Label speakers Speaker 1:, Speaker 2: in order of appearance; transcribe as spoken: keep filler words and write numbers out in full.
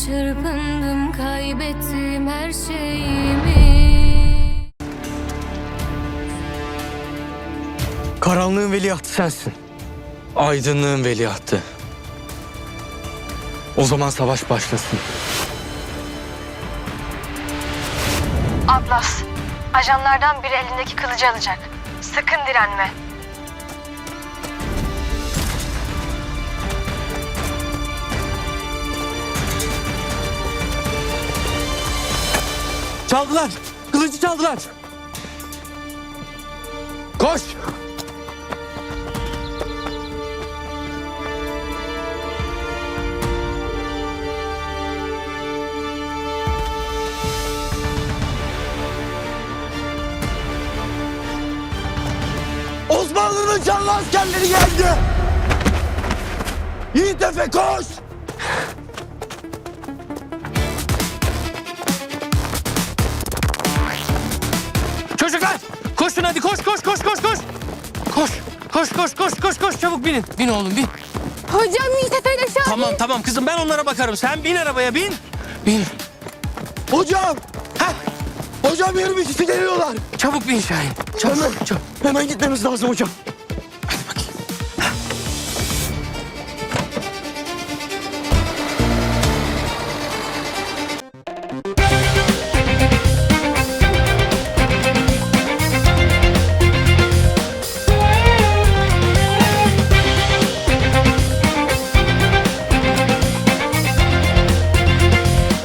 Speaker 1: Çırpındım, kaybettim her şeyimi.
Speaker 2: Karanlığın veliahtı sensin. Aydınlığın veliahtı. O zaman savaş başlasın.
Speaker 3: Atlas, ajanlardan biri elindeki kılıcı alacak. Sakın direnme.
Speaker 2: Çaldılar! Kılıcı çaldılar! Koş! Osmanlı'nın canlı askerleri geldi! Yiğit Efe koş! Çocuklar! Koşun hadi koş koş koş koş koş! Koş! Koş koş koş koş koş çabuk binin. Bin oğlum bin.
Speaker 1: Hocam Yiğit Efe'yle Şahin.
Speaker 2: Tamam tamam kızım ben onlara bakarım. Sen bin arabaya bin. Bin. Hocam! Heh. Hocam yirmi kişi geliyorlar. Çabuk bin Şahin. Çabuk. Hemen, çabuk. Hemen gitmemiz lazım hocam.